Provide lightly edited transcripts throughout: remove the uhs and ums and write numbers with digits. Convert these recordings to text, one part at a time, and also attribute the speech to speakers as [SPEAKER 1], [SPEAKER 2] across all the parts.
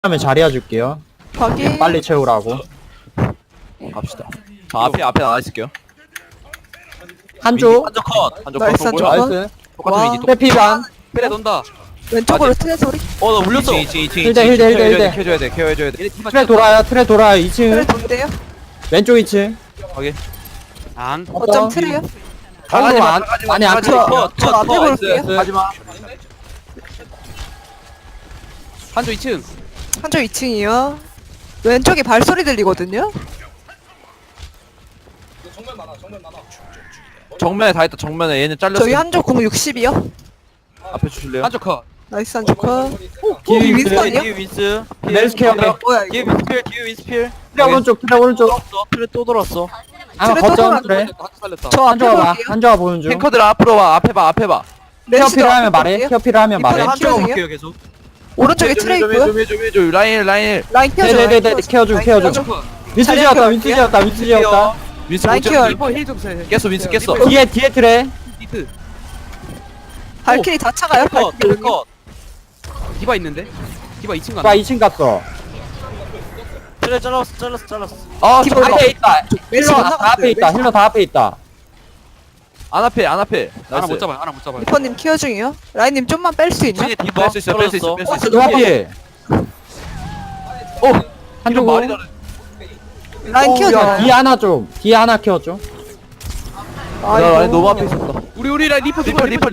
[SPEAKER 1] 하면 자리 해줄게요.
[SPEAKER 2] 확인.
[SPEAKER 1] 빨리 채우라고.
[SPEAKER 3] 갑시다. 자, 앞에 나와 있을게요.
[SPEAKER 1] 한쪽.
[SPEAKER 3] 한쪽 컷. 한쪽
[SPEAKER 2] 나이스,
[SPEAKER 3] 컷.
[SPEAKER 2] 한쪽
[SPEAKER 3] 뭐야?
[SPEAKER 2] 컷.
[SPEAKER 1] 나이스.
[SPEAKER 3] 똑같은 위기.
[SPEAKER 1] 페피반.
[SPEAKER 3] 빼래 돈다.
[SPEAKER 2] 왼쪽으로 트레 소리.
[SPEAKER 3] 나 물렸어.
[SPEAKER 1] 힐대.
[SPEAKER 3] 켜줘야 돼. 켜줘야 돼.
[SPEAKER 1] 트레 돌아요. 트레 돌아요. 2층.
[SPEAKER 2] 트레 돈대요.
[SPEAKER 1] 왼쪽 2층.
[SPEAKER 3] 확인. 안.
[SPEAKER 2] 어쩜 트레요?
[SPEAKER 1] 방금 안 많이 안
[SPEAKER 2] 저-
[SPEAKER 1] 쳐.
[SPEAKER 2] 저 앞에 볼게요.
[SPEAKER 3] 하지마. 한쪽 2층.
[SPEAKER 2] 한쪽 2층이요. 왼쪽에 발소리 들리거든요.
[SPEAKER 3] 정면에 다 있다. 정면에 얘는 잘렸어.
[SPEAKER 2] 저희 한쪽 공 60이요.
[SPEAKER 3] 앞에 주실래요? 한쪽 컷.
[SPEAKER 2] 나이스 한쪽 컷.
[SPEAKER 1] 뒤에
[SPEAKER 2] 윈스턴이요?
[SPEAKER 3] 뒤에 윈스.
[SPEAKER 1] 멜스 케어.
[SPEAKER 2] 뭐야
[SPEAKER 3] 뒤에
[SPEAKER 2] 이거?
[SPEAKER 3] 윈스필. 뒤에 윈스필.
[SPEAKER 1] 트레 오른쪽. 트레 오른쪽.
[SPEAKER 3] 트레 또 돌았어.
[SPEAKER 1] 아
[SPEAKER 2] 트레 또
[SPEAKER 1] 거점
[SPEAKER 2] 돌아왔네.
[SPEAKER 1] 트레.
[SPEAKER 3] 살렸다.
[SPEAKER 2] 저 앞에
[SPEAKER 1] 한조가 봐.
[SPEAKER 2] 볼게요.
[SPEAKER 1] 한조가 보는 중.
[SPEAKER 3] 탱커들 앞으로 와. 앞에 봐. 앞에 봐.
[SPEAKER 1] 케어
[SPEAKER 2] 렌시도
[SPEAKER 1] 필요하면
[SPEAKER 2] 앞에
[SPEAKER 1] 말해.
[SPEAKER 2] 볼게요.
[SPEAKER 1] 케어 필요하면 말해.
[SPEAKER 2] 이번에
[SPEAKER 3] 한쪽
[SPEAKER 2] 키워주세요.
[SPEAKER 3] 볼게요 계속.
[SPEAKER 2] 오른쪽에 트레 있고요.
[SPEAKER 3] 해줘. 라인.
[SPEAKER 2] 라인 키워줘.
[SPEAKER 1] 네네네. 케어 중. 케어 중. 윈스
[SPEAKER 2] 자리
[SPEAKER 1] 지었다.
[SPEAKER 2] 앞에
[SPEAKER 1] 윈스
[SPEAKER 2] 볼게요.
[SPEAKER 1] 지었다. 윈스 지었다.
[SPEAKER 3] 윈스
[SPEAKER 2] 라인
[SPEAKER 3] 못
[SPEAKER 2] 키워.
[SPEAKER 3] 잡지. 깼어. 윈스 깼어.
[SPEAKER 1] 뒤에 트레.
[SPEAKER 3] 히트.
[SPEAKER 2] 발키리 다 차가요. 발키리 오니.
[SPEAKER 3] 컷. 디바 있는데? 디바 2층
[SPEAKER 1] 나 2층 갔어.
[SPEAKER 3] 트레 잘랐어. 아,
[SPEAKER 2] 디바
[SPEAKER 3] 저
[SPEAKER 2] 올라.
[SPEAKER 1] 앞에 있다.
[SPEAKER 2] 멜시
[SPEAKER 1] 힐러
[SPEAKER 2] 못
[SPEAKER 1] 다 앞에 있다. 힐러 다 앞에 있다.
[SPEAKER 3] 안 앞에.
[SPEAKER 4] 하나 못 잡아요.
[SPEAKER 2] 리퍼님 키워 중이요. 라인님 좀만 뺄 수 있나?
[SPEAKER 3] 뒤에 디바 뺄수 있어.
[SPEAKER 1] 너 앞에.
[SPEAKER 3] 어,
[SPEAKER 1] 한쪽
[SPEAKER 3] 말이 다르.
[SPEAKER 2] 라인 키워줘.
[SPEAKER 1] 뒤에 하나 좀. 뒤에 하나 키워줘.
[SPEAKER 3] 나 라인 너무 앞에 있었다. 우리 라인 리퍼.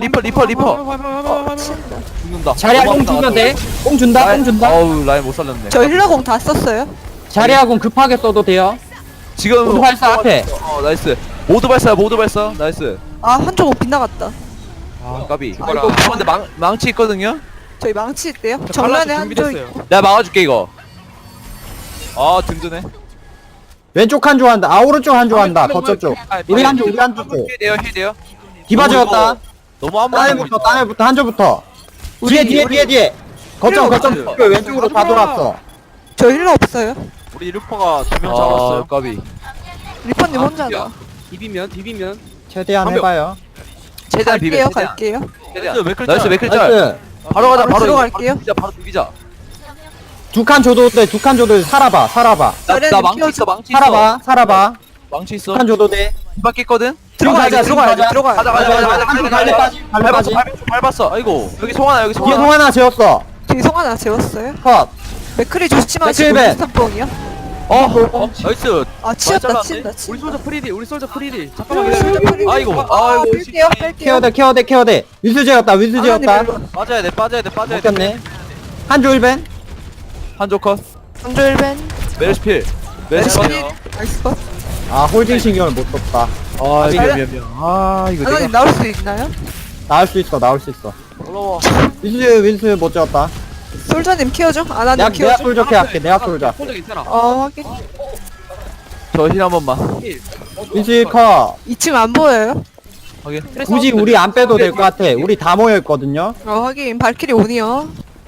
[SPEAKER 3] 죽는다.
[SPEAKER 1] 자리야 공 주면 돼. 공 준다. 공 준다.
[SPEAKER 3] 어우, 라인 못 살렸네.
[SPEAKER 2] 저 힐러공 다 썼어요.
[SPEAKER 1] 자리야 공 급하게 써도 돼요.
[SPEAKER 3] 지금
[SPEAKER 1] 모두 발사 앞에.
[SPEAKER 3] 나이스. 모두 발사. 나이스.
[SPEAKER 2] 아 한쪽 공 빗나갔다.
[SPEAKER 3] 아, 까비.
[SPEAKER 4] 이거라.
[SPEAKER 3] 이거 근데 망치 있거든요.
[SPEAKER 2] 저희 망치 있대요. 정면에 한쪽 있고.
[SPEAKER 3] 내가 막아줄게 이거. 아, 든든해.
[SPEAKER 1] 왼쪽 한 조한다. 아 오른쪽 한 조한다. 거점 쪽. 우리 한쪽 우리 한쪽 쪽.
[SPEAKER 3] 힐돼요.
[SPEAKER 1] 디바 지었다.
[SPEAKER 3] 너무 한 번에
[SPEAKER 1] 땅에부터 한 조부터. 뒤에. 거점 그 왼쪽으로 다 돌았어.
[SPEAKER 2] 저 힐러 없어요.
[SPEAKER 4] 우리 루퍼가 2명
[SPEAKER 3] 아,
[SPEAKER 4] 잡았어요.
[SPEAKER 3] 까비.
[SPEAKER 2] 리퍼님 혼자다.
[SPEAKER 4] 비비면.
[SPEAKER 1] 최대한
[SPEAKER 3] 한 명.
[SPEAKER 1] 해봐요.
[SPEAKER 3] 최대한 비벼.
[SPEAKER 2] 갈게요.
[SPEAKER 3] 나이스 맥클짤.
[SPEAKER 1] 나이스.
[SPEAKER 3] 바로 가자. 바로
[SPEAKER 2] 들어갈게요.
[SPEAKER 3] 바로 비비자.
[SPEAKER 1] 두 칸 줘도 돼. 두 칸 줘도 돼. 살아봐.
[SPEAKER 3] 나 망치 있어.
[SPEAKER 1] 살아봐.
[SPEAKER 3] 망치 있어.
[SPEAKER 1] 두 칸 줘도 돼.
[SPEAKER 3] 디바 깼거든.
[SPEAKER 2] 들어가야 들어가야.
[SPEAKER 3] 가자.
[SPEAKER 1] 갈래 빠지.
[SPEAKER 3] 밟았어. 아이고. 여기 송하나.
[SPEAKER 1] 뒤에 동 하나 재웠어.
[SPEAKER 2] 뒤에 송 하나 재웠어요.
[SPEAKER 1] 컷.
[SPEAKER 2] 맥크리 조심하시고
[SPEAKER 1] 맥크리벤.
[SPEAKER 2] 윈스턴뽕이요.
[SPEAKER 3] 나이스.
[SPEAKER 2] 아 치였다
[SPEAKER 3] 잘랐네.
[SPEAKER 2] 친다.
[SPEAKER 4] 우리 솔저 프리디.
[SPEAKER 2] 잠깐만 기다려.
[SPEAKER 3] 아이고.
[SPEAKER 2] 아 뺄게요.
[SPEAKER 1] 케어돼. 윈스 재웠다.
[SPEAKER 3] 빠져야 돼.
[SPEAKER 1] 먹겠네. 한조 1벤.
[SPEAKER 3] 한조 컷.
[SPEAKER 2] 강조일벤.
[SPEAKER 3] 메르시필.
[SPEAKER 2] 메르시필. 나이스 컷.
[SPEAKER 1] 아 홀딩 신경을 못 썼다.
[SPEAKER 3] 아,
[SPEAKER 1] 이거
[SPEAKER 3] 미안. 아, 이거
[SPEAKER 2] 아나님 나올 수 있나요?
[SPEAKER 1] 나올 수 있어.
[SPEAKER 3] 올라와.
[SPEAKER 1] 윈스 못 재웠다.
[SPEAKER 2] 솔저님 키워줘. 아나님
[SPEAKER 1] 내가
[SPEAKER 2] 키워줘.
[SPEAKER 1] 솔저 케어할게. 내가 솔저.
[SPEAKER 4] 솔저 괜찮아.
[SPEAKER 2] 확인.
[SPEAKER 3] 저 힐 한 번만.
[SPEAKER 1] 윈스 컷.
[SPEAKER 2] 2층 안 보여요?
[SPEAKER 3] 확인.
[SPEAKER 1] 굳이 우리 안 빼도 될 것 같아. 우리 다 모여 있거든요.
[SPEAKER 2] 확인. 발키리 온이요.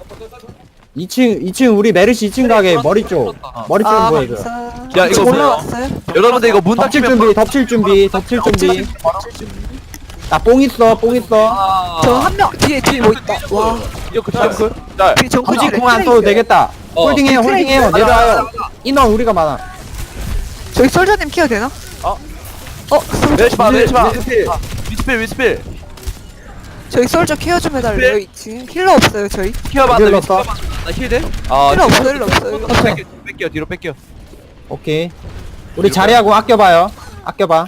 [SPEAKER 1] 2층 우리 메르시 2층 가게 머리 쪽 보여줘.
[SPEAKER 2] 감사.
[SPEAKER 3] 야, 이거
[SPEAKER 2] 올라왔어요.
[SPEAKER 3] 여러분들 이거 문 닫히면
[SPEAKER 1] 덮칠 준비. 나 뽕 있어.
[SPEAKER 2] 저 한 명 뒤에 뭐 있다. 와.
[SPEAKER 3] 이거 그 짤. 짤.
[SPEAKER 2] 뒤에 정글
[SPEAKER 1] 굳이 공 안 써도 되겠다. 홀딩해요. 내려와요. 인원 우리가 많아.
[SPEAKER 2] 저기 솔저님 키워 되나? 솔저.
[SPEAKER 3] 메르시파. 위스필.
[SPEAKER 2] 저희 솔저 키워 좀 해달래요. 2층 힐러 없어요 저희.
[SPEAKER 3] 키워봐.
[SPEAKER 1] 힐 넣었어?
[SPEAKER 3] 나 힐 돼? 아,
[SPEAKER 2] 힐러 없어요. 힐러 없어요.
[SPEAKER 3] 뺄게요. 뒤로 뺄게요.
[SPEAKER 1] 오케이. 우리 자리하고 아껴봐요. 아껴봐.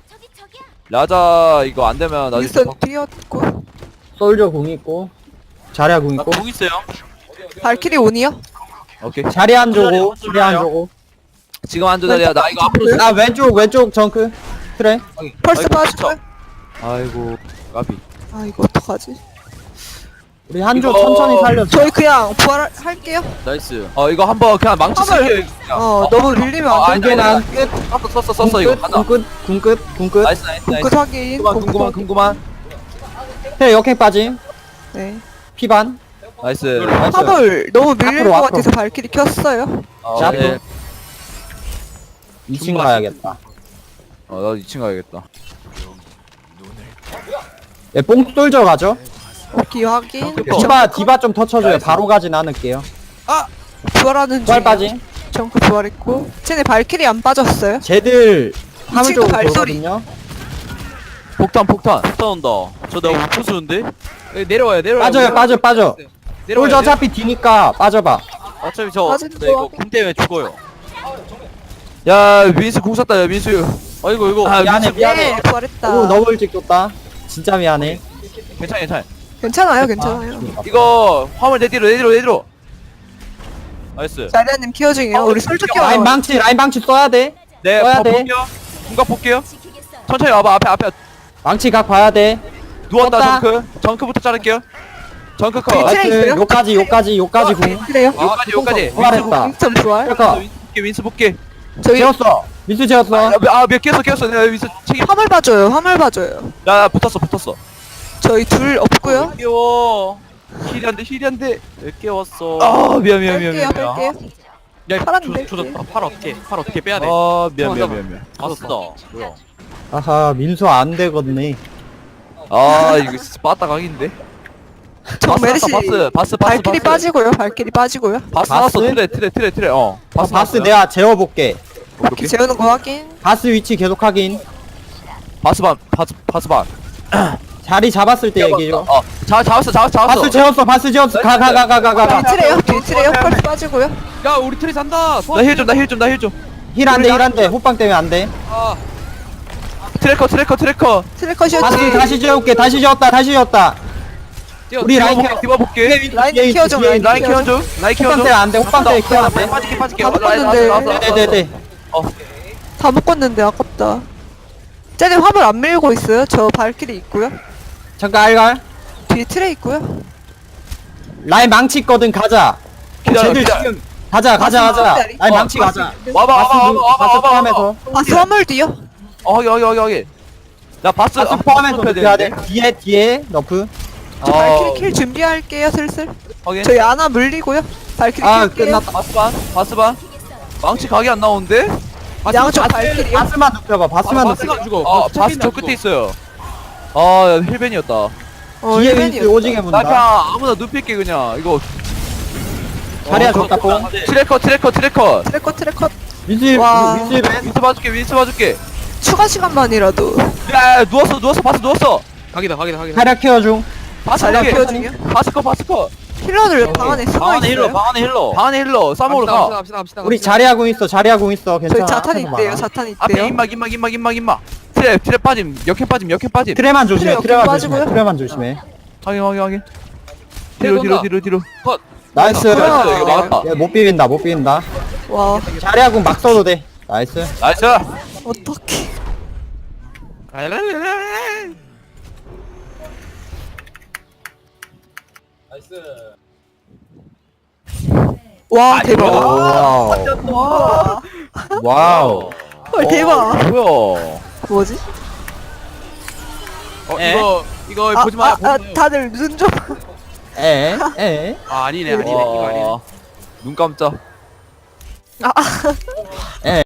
[SPEAKER 3] 라자 이거 안 되면 나중에
[SPEAKER 2] 윈스턴 뛰었고.
[SPEAKER 1] 솔저 공 있고. 자리하 공 있고.
[SPEAKER 3] 공 있어요.
[SPEAKER 2] 발키리 온이요?
[SPEAKER 3] 오케이.
[SPEAKER 1] 자리 안 주고.
[SPEAKER 3] 지금 한조 자리야. 나 이거 앞으로.
[SPEAKER 1] 아 왼쪽 정크. 그래.
[SPEAKER 2] 펄스
[SPEAKER 3] 아이고,
[SPEAKER 2] 빠질까요?
[SPEAKER 3] 아이고, 까비.
[SPEAKER 2] 아 이거 어떡하지?
[SPEAKER 1] 우리 한조
[SPEAKER 3] 이거-
[SPEAKER 1] 천천히 살려줘.
[SPEAKER 2] 저희 그냥 부활할게요.
[SPEAKER 3] 나이스. 이거 한번 그냥 망치
[SPEAKER 2] 화물.
[SPEAKER 3] 쓸게요.
[SPEAKER 2] 너무 밀리면 안 돼.
[SPEAKER 1] 이게 난 끝.
[SPEAKER 3] 썼어 이거. 가자.
[SPEAKER 1] 궁끝.
[SPEAKER 3] 나이스.
[SPEAKER 2] 그 확인.
[SPEAKER 3] 궁금한.
[SPEAKER 1] 해 역행 빠짐.
[SPEAKER 2] 네.
[SPEAKER 1] 피반.
[SPEAKER 3] 나이스.
[SPEAKER 2] 화물 너무 밀릴
[SPEAKER 1] 앞으로,
[SPEAKER 2] 것
[SPEAKER 1] 앞으로.
[SPEAKER 2] 같아서 발키리 켰어요.
[SPEAKER 1] 자,
[SPEAKER 3] 네.
[SPEAKER 1] 2층 가야겠다.
[SPEAKER 3] 나도 2층 가야겠다.
[SPEAKER 1] 예, 뽕 솔저 가죠.
[SPEAKER 2] 오케이 확인.
[SPEAKER 3] 어.
[SPEAKER 1] 디바 좀 터쳐줘요. 바로 가진 않을게요.
[SPEAKER 2] 부활하는
[SPEAKER 1] 부활
[SPEAKER 2] 중이에요.
[SPEAKER 1] 빠짐.
[SPEAKER 2] 정크 부활했고. 쟤네 발키리 안 빠졌어요?
[SPEAKER 1] 쟤들 화물
[SPEAKER 2] 친구
[SPEAKER 1] 쪽으로
[SPEAKER 2] 발소리.
[SPEAKER 1] 돌거든요.
[SPEAKER 3] 폭탄 폭탄.
[SPEAKER 4] 싸운다. 저 내가 못 부수는데? 내려와요
[SPEAKER 1] 빠져요, 빠져.
[SPEAKER 4] 내려와요.
[SPEAKER 1] 솔저 어차피 뒤니까 빠져봐.
[SPEAKER 4] 어차피 저
[SPEAKER 2] 빠지는
[SPEAKER 4] 네, 이거
[SPEAKER 2] 거
[SPEAKER 4] 궁 때문에 죽어요.
[SPEAKER 3] 야 민수 공 쐈다 야 민수.
[SPEAKER 4] 아이고 이거
[SPEAKER 3] 아,
[SPEAKER 1] 미안해,
[SPEAKER 3] 민수
[SPEAKER 1] 미안해.
[SPEAKER 2] 네, 부활했다.
[SPEAKER 1] 오, 너무 일찍 줬다. 진짜 미안해.
[SPEAKER 3] 괜찮아 괜찮아.
[SPEAKER 2] 괜찮아요, 괜찮아요.
[SPEAKER 3] 이거 화물 내 뒤로. 나이스.
[SPEAKER 2] 자리아님 케어 중이에요. 우리 솔저 케어.
[SPEAKER 1] 라인 방치 써야 돼.
[SPEAKER 3] 네
[SPEAKER 1] 써야 돼.
[SPEAKER 3] 볼게요. 궁각 볼게요. 천천히 와봐 앞에
[SPEAKER 1] 망치 각 봐야 돼.
[SPEAKER 3] 누웠다
[SPEAKER 1] 떴다.
[SPEAKER 3] 정크부터 자를게요. 정크 컷.
[SPEAKER 2] 트레이
[SPEAKER 1] 나이스.
[SPEAKER 2] 있어요?
[SPEAKER 1] 요까지 궁.
[SPEAKER 2] 그래요?
[SPEAKER 3] 요까지.
[SPEAKER 1] 부활했다.
[SPEAKER 2] 인점 부활.
[SPEAKER 1] 잠깐.
[SPEAKER 3] 윈스 볼게.
[SPEAKER 2] 저희
[SPEAKER 1] 재웠어. 민수 재웠어.
[SPEAKER 3] 아몇 깼어. 내가 윈스 책임.
[SPEAKER 2] 화물 봐줘요. 화물 봐줘요.
[SPEAKER 3] 야 붙었어.
[SPEAKER 2] 저희 둘 없고요.
[SPEAKER 3] 깨워. 힐이 안돼.
[SPEAKER 4] 왜 깨웠어?
[SPEAKER 3] 아 미안.
[SPEAKER 2] 뺄게요, 뺄게요.
[SPEAKER 4] 야
[SPEAKER 2] 팔았는데.
[SPEAKER 4] 조졌다. 팔 어떻게 빼야 돼?
[SPEAKER 3] 아 미안.
[SPEAKER 4] 맞았다. 뭐야?
[SPEAKER 1] 아하, 민수 안 되겠네.
[SPEAKER 3] 아 이거 진짜 빠따 각인데.
[SPEAKER 2] 정 메르시.
[SPEAKER 3] 바스.
[SPEAKER 2] 발키리 빠지고요. 발키리 빠지고요.
[SPEAKER 3] 바스 나왔어.
[SPEAKER 1] 바스?
[SPEAKER 3] 트레.
[SPEAKER 1] 바스
[SPEAKER 3] 나왔어요.
[SPEAKER 1] 내가 재워볼게.
[SPEAKER 2] 바퀴 재우는 거 확인.
[SPEAKER 1] 바스 위치 계속 확인.
[SPEAKER 3] 바스 반.
[SPEAKER 1] 자리 잡았을 때 얘기해줘.
[SPEAKER 3] 잡았어.
[SPEAKER 1] 바스 재웠어. 가.
[SPEAKER 2] 뒤 트레요. 펄스 빠지고요.
[SPEAKER 4] 야 우리 트레 산다.
[SPEAKER 3] 나 힐 좀.
[SPEAKER 1] 힐 안 돼. 호빵 때문에 안 돼.
[SPEAKER 4] 아
[SPEAKER 3] 트래커.
[SPEAKER 2] 트레컷이었지.
[SPEAKER 1] 바스 다시 재울게. 다시 재웠다. 우리 라인 케어.
[SPEAKER 3] 디바볼게.
[SPEAKER 2] 라인 케어 좀.
[SPEAKER 3] 라인 케어 좀.
[SPEAKER 1] 호빵 때문에 안 돼. 호빵 때문에 케어 안 돼.
[SPEAKER 3] 빠질게.
[SPEAKER 2] 다 묶었는데.
[SPEAKER 1] 네네네.
[SPEAKER 2] 다 묶었는데 아깝다. 쟤네 화물 안 밀고 있어요. 저 발키리 있고요.
[SPEAKER 1] 잠깐 알갈.
[SPEAKER 2] 뒤에 트레 있고요.
[SPEAKER 1] 라인 망치 있거든. 가자.
[SPEAKER 3] 기다려.
[SPEAKER 1] 쟤들 지금 가자. 라인 망치 가자. 바스 포함해서.
[SPEAKER 2] 바스 화물 뒤요.
[SPEAKER 3] 확인. 나 바스
[SPEAKER 1] 바스 포함해서 높여야 돼. 뒤에 너프.
[SPEAKER 2] 저 발키리 킬 준비할게요. 슬슬.
[SPEAKER 3] 확인.
[SPEAKER 2] 저희 아나 물리고요. 발키리
[SPEAKER 1] 아,
[SPEAKER 2] 킬게요.
[SPEAKER 1] 끝났다.
[SPEAKER 3] 바스 반. 망치 각이 안 나오는데?
[SPEAKER 2] 양쪽 발키리요.
[SPEAKER 1] 바스만 눕혀봐. 바스만 눕혀.
[SPEAKER 4] 바스가 죽어.
[SPEAKER 3] 바스 저 끝에 있어요. 아 힐벤이었다.
[SPEAKER 1] 뒤에
[SPEAKER 2] 힐벤이요.
[SPEAKER 1] 윈스 오지게
[SPEAKER 3] 나
[SPEAKER 1] 문다.
[SPEAKER 3] 그냥 아무나 눕힐게 그냥. 이거
[SPEAKER 1] 자리야 좋다 뽕.
[SPEAKER 3] 트래커.
[SPEAKER 2] 트레컷.
[SPEAKER 1] 윈스
[SPEAKER 2] 와.
[SPEAKER 1] 벤.
[SPEAKER 3] 윈스 봐줄게.
[SPEAKER 2] 추가 시간만이라도.
[SPEAKER 3] 야 누웠어. 바스 누웠어.
[SPEAKER 4] 각이다.
[SPEAKER 1] 자리야 케어 중.
[SPEAKER 3] 바스
[SPEAKER 2] 자리야
[SPEAKER 3] 어떻게?
[SPEAKER 2] 케어 중이요?
[SPEAKER 3] 바스 컷.
[SPEAKER 2] 힐러들 방 안에 숨어
[SPEAKER 4] 방안에 힐러.
[SPEAKER 2] 있어요.
[SPEAKER 4] 방안에 힐러.
[SPEAKER 3] 싸먹으러 가.
[SPEAKER 4] 갑시다.
[SPEAKER 1] 우리 자리야 공 있어.
[SPEAKER 2] 저희
[SPEAKER 1] 괜찮아.
[SPEAKER 2] 자탄
[SPEAKER 1] 앞에서
[SPEAKER 2] 있대요.
[SPEAKER 1] 막아.
[SPEAKER 2] 자탄
[SPEAKER 3] 앞에
[SPEAKER 2] 있대요.
[SPEAKER 3] 임막. 트랩 빠짐. 역행 빠짐.
[SPEAKER 1] 트레만 조심해.
[SPEAKER 2] 트레 옆에 빠지고요.
[SPEAKER 1] 트레만 조심해.
[SPEAKER 3] 확인.
[SPEAKER 4] 트레
[SPEAKER 3] 뒤로.
[SPEAKER 1] 나이스.
[SPEAKER 2] 아,
[SPEAKER 3] 이거 막았다.
[SPEAKER 1] 야, 못 비빈다.
[SPEAKER 2] 와
[SPEAKER 1] 자리야 공 막 써도 돼. 나이스.
[SPEAKER 3] 나이스.
[SPEAKER 2] 어떡해. 와 대박.
[SPEAKER 1] 와우. 와우.
[SPEAKER 2] 헐 대박.
[SPEAKER 3] 뭐야?
[SPEAKER 2] 뭐지?
[SPEAKER 4] 이거 보지 마.
[SPEAKER 2] 다들 눈 좀.
[SPEAKER 1] 에.
[SPEAKER 4] 아니네. 이거 아니네.
[SPEAKER 3] 눈 깜짝.
[SPEAKER 2] 아,
[SPEAKER 1] 에.